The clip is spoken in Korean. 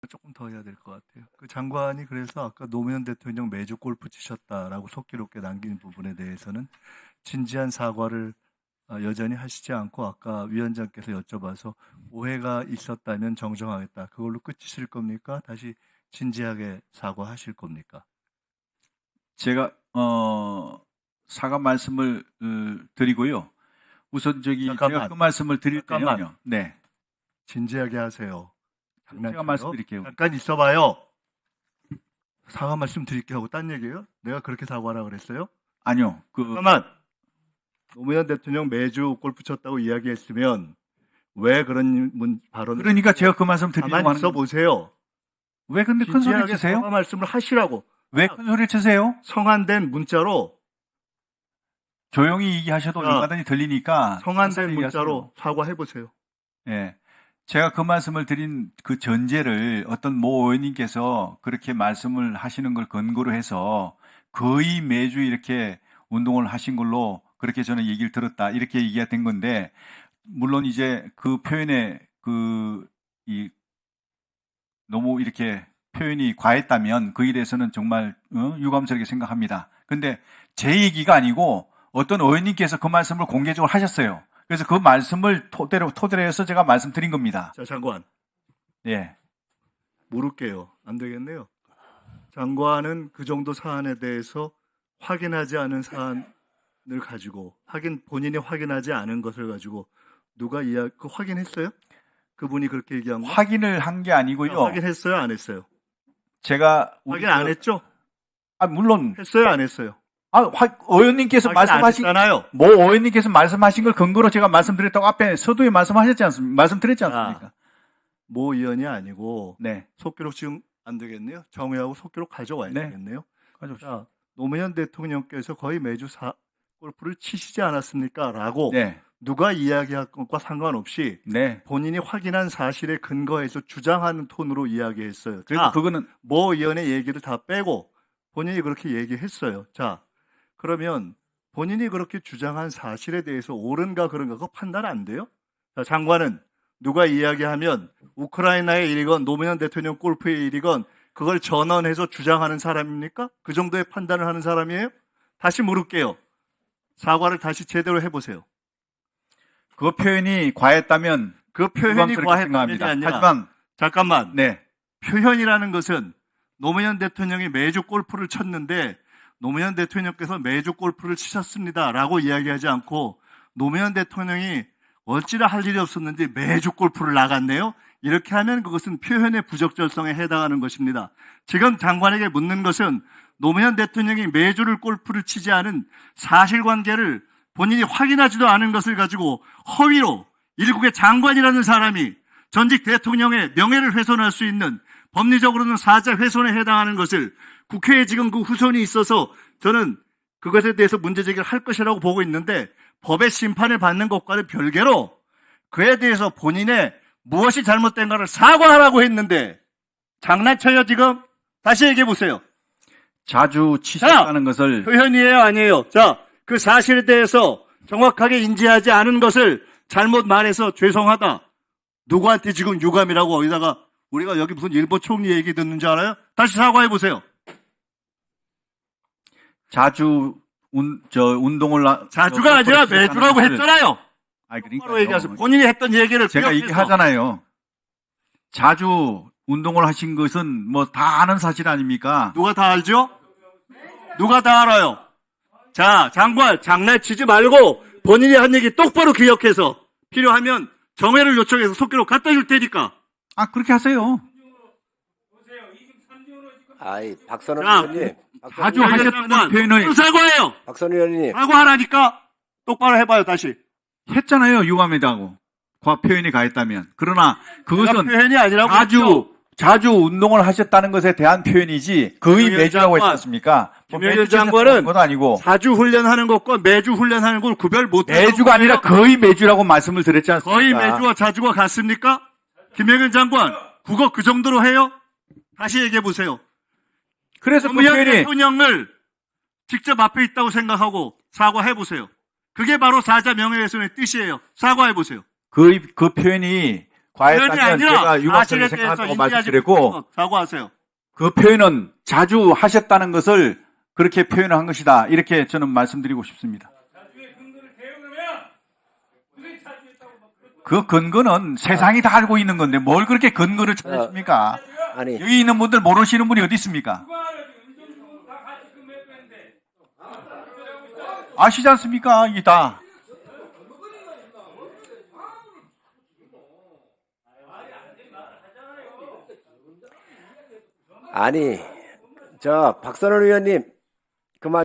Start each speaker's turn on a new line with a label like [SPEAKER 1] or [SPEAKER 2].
[SPEAKER 1] 조금 더 해야 될 것 같아요. 그 장관이 그래서 아까 노무현 대통령 매주 골프 치셨다라고 속기록에 남긴 부분에 대해서는 진지한 사과를 여전히 하시지 않고 아까 위원장께서 여쭤봐서 오해가 있었다면 정정하겠다. 그걸로 끝이실 겁니까? 다시 진지하게 사과하실 겁니까?
[SPEAKER 2] 제가 사과 말씀을 드리고요. 우선
[SPEAKER 1] 잠깐만.
[SPEAKER 2] 제가 그 말씀을 드릴
[SPEAKER 1] 잠깐만.
[SPEAKER 2] 때는요. 네.
[SPEAKER 1] 진지하게 하세요.
[SPEAKER 2] 제가 말씀드릴게요.
[SPEAKER 1] 잠깐 있어봐요. 사과 말씀 드릴게 하고 딴 얘기예요? 내가 그렇게 사과하라 그랬어요?
[SPEAKER 2] 아니요.
[SPEAKER 1] 잠깐만. 노무현 대통령 매주 골프 쳤다고 이야기했으면 왜 그런 발언을
[SPEAKER 2] 그러니까 제가 그 말씀 드리려고
[SPEAKER 1] 가만히
[SPEAKER 2] 하는
[SPEAKER 1] 있어
[SPEAKER 2] 겁니다.
[SPEAKER 1] 보세요.
[SPEAKER 2] 왜 근데 큰 소리를
[SPEAKER 1] 진지하게
[SPEAKER 2] 치세요?
[SPEAKER 1] 사과 말씀을 하시라고.
[SPEAKER 2] 왜 큰 소리를 치세요?
[SPEAKER 1] 성안된 문자로
[SPEAKER 2] 조용히 얘기하셔도 얼마든지 들리니까
[SPEAKER 1] 성안된
[SPEAKER 2] 천천히
[SPEAKER 1] 문자로 사과해 보세요.
[SPEAKER 2] 예. 제가 그 말씀을 드린 그 전제를 어떤 모 의원님께서 그렇게 말씀을 하시는 걸 근거로 해서 거의 매주 이렇게 운동을 하신 걸로 그렇게 저는 얘기를 들었다. 이렇게 얘기가 된 건데, 물론 이제 그 표현에 너무 이렇게 표현이 과했다면 그에 대해서는 정말 유감스럽게 생각합니다. 근데 제 얘기가 아니고 어떤 의원님께서 그 말씀을 공개적으로 하셨어요. 그래서 그 말씀을 토대로 해서 제가 말씀드린 겁니다.
[SPEAKER 1] 자, 장관.
[SPEAKER 2] 예.
[SPEAKER 1] 물을게요. 안 되겠네요. 장관은 그 정도 사안에 대해서 확인하지 않은 사안을 가지고 본인이 확인하지 않은 것을 가지고 누가 그 확인했어요? 그분이 그렇게 얘기한 거?
[SPEAKER 2] 확인을 한 게 아니고요.
[SPEAKER 1] 확인했어요? 안 했어요?
[SPEAKER 2] 제가
[SPEAKER 1] 확인 안 했죠?
[SPEAKER 2] 물론
[SPEAKER 1] 했어요? 안 했어요?
[SPEAKER 2] 의원님께서 말씀하신
[SPEAKER 1] 모
[SPEAKER 2] 의원님께서 말씀하신 걸 근거로 제가 말씀드렸다고 앞에 서두에 말씀드렸지 않습니까?
[SPEAKER 1] 모 의원이 아니고
[SPEAKER 2] 네.
[SPEAKER 1] 속기록 지금 안 되겠네요. 정회하고 속기록 가져와야
[SPEAKER 2] 네.
[SPEAKER 1] 되겠네요.
[SPEAKER 2] 가져오십시오.
[SPEAKER 1] 자, 노무현 대통령께서 거의 매주 골프를 치시지 않았습니까? 라고
[SPEAKER 2] 네.
[SPEAKER 1] 누가 이야기할 것과 상관없이
[SPEAKER 2] 네.
[SPEAKER 1] 본인이 확인한 사실에 근거해서 주장하는 톤으로 이야기했어요.
[SPEAKER 2] 그래서 그거는
[SPEAKER 1] 모 의원의 얘기를 다 빼고 본인이 그렇게 얘기했어요. 자, 그러면 본인이 그렇게 주장한 사실에 대해서 옳은가 그런가 그거 판단 안 돼요? 자, 장관은 누가 이야기하면 우크라이나의 일이건 노무현 대통령 골프의 일이건 그걸 전언해서 주장하는 사람입니까? 그 정도의 판단을 하는 사람이에요? 다시 물을게요. 사과를 다시 제대로 해보세요.
[SPEAKER 2] 그 표현이 과했다면
[SPEAKER 1] 그 표현이 과했다면이
[SPEAKER 2] 생각합니다.
[SPEAKER 1] 아니라
[SPEAKER 2] 하지만
[SPEAKER 1] 잠깐만.
[SPEAKER 2] 네.
[SPEAKER 1] 표현이라는 것은 노무현 대통령이 매주 골프를 쳤는데 노무현 대통령께서 매주 골프를 치셨습니다라고 이야기하지 않고 노무현 대통령이 어찌나 할 일이 없었는지 매주 골프를 나갔네요. 이렇게 하면 그것은 표현의 부적절성에 해당하는 것입니다. 지금 장관에게 묻는 것은 노무현 대통령이 매주를 골프를 치지 않은 사실관계를 본인이 확인하지도 않은 것을 가지고 허위로 일국의 장관이라는 사람이 전직 대통령의 명예를 훼손할 수 있는 법리적으로는 사자 훼손에 해당하는 것을 국회에 지금 그 후손이 있어서 저는 그것에 대해서 문제제기를 할 것이라고 보고 있는데 법의 심판을 받는 것과는 별개로 그에 대해서 본인의 무엇이 잘못된가를 사과하라고 했는데 장난쳐요 지금? 다시 얘기해 보세요.
[SPEAKER 2] 자주 치셨다는 것을
[SPEAKER 1] 표현이에요 아니에요? 자, 그 사실에 대해서 정확하게 인지하지 않은 것을 잘못 말해서 죄송하다. 누구한테 지금 유감이라고 어디다가 우리가 여기 무슨 일본 총리 얘기 듣는 줄 알아요? 다시 사과해 보세요.
[SPEAKER 2] 자주 운동을
[SPEAKER 1] 자주가 아니라 매주라고 했잖아요.
[SPEAKER 2] 그러니까
[SPEAKER 1] 얘기하세요. 본인이 했던 얘기를
[SPEAKER 2] 제가
[SPEAKER 1] 기억해서.
[SPEAKER 2] 얘기하잖아요. 자주 운동을 하신 것은 뭐 다 아는 사실 아닙니까?
[SPEAKER 1] 누가 다 알죠? 누가 다 알아요? 자, 장관 장난치지 말고 본인이 한 얘기 똑바로 기억해서 필요하면 정회를 요청해서 속기록 갖다 줄 테니까.
[SPEAKER 2] 그렇게 하세요.
[SPEAKER 3] 박선원
[SPEAKER 1] 자,
[SPEAKER 3] 의원님.
[SPEAKER 2] 자주 하셨다는 표현을
[SPEAKER 1] 사과해요.
[SPEAKER 3] 박선원 의원님.
[SPEAKER 1] 사과하라니까 똑바로 해봐요 다시.
[SPEAKER 2] 했잖아요. 유감이라고. 표현이 가했다면. 그러나 그것은
[SPEAKER 1] 표현이 아니라고
[SPEAKER 2] 자주 운동을 하셨다는 것에 대한 표현이지 거의 매주라고 했지 않습니까?
[SPEAKER 1] 김영현 장관은
[SPEAKER 2] 건 아니고
[SPEAKER 1] 자주 훈련하는 것과 매주 훈련하는 걸 구별 못해요.
[SPEAKER 2] 매주가 아니라 거의 매주라고 말씀을 드렸지 않습니까?
[SPEAKER 1] 거의 매주와 자주가 같습니까? 김영현 장관 국어 그 정도로 해요? 다시 얘기해 보세요.
[SPEAKER 2] 그래서 그
[SPEAKER 1] 노무현
[SPEAKER 2] 표현이
[SPEAKER 1] 대통령을 직접 앞에 있다고 생각하고 사과해 보세요. 그게 바로 사자 명예훼손의 뜻이에요. 사과해 보세요.
[SPEAKER 2] 그 표현이
[SPEAKER 1] 표현이
[SPEAKER 2] 과했다면
[SPEAKER 1] 아니라
[SPEAKER 2] 제가 유감스럽게
[SPEAKER 1] 사실에 대해서
[SPEAKER 2] 생각한다고
[SPEAKER 1] 인지하지
[SPEAKER 2] 말씀드렸고
[SPEAKER 1] 못한 것 사과하세요.
[SPEAKER 2] 그 표현은 자주 하셨다는 것을 그렇게 표현을 한 것이다. 이렇게 저는 말씀드리고 싶습니다. 그 근거는 세상이 다 알고 있는 건데 뭘 그렇게 근거를 찾으십니까?
[SPEAKER 3] 아니,
[SPEAKER 2] 여기 있는 분들 모르시는 분이 어디 있습니까? 아시지 않습니까? 이게 다.
[SPEAKER 3] 아니, 박선원 의원님,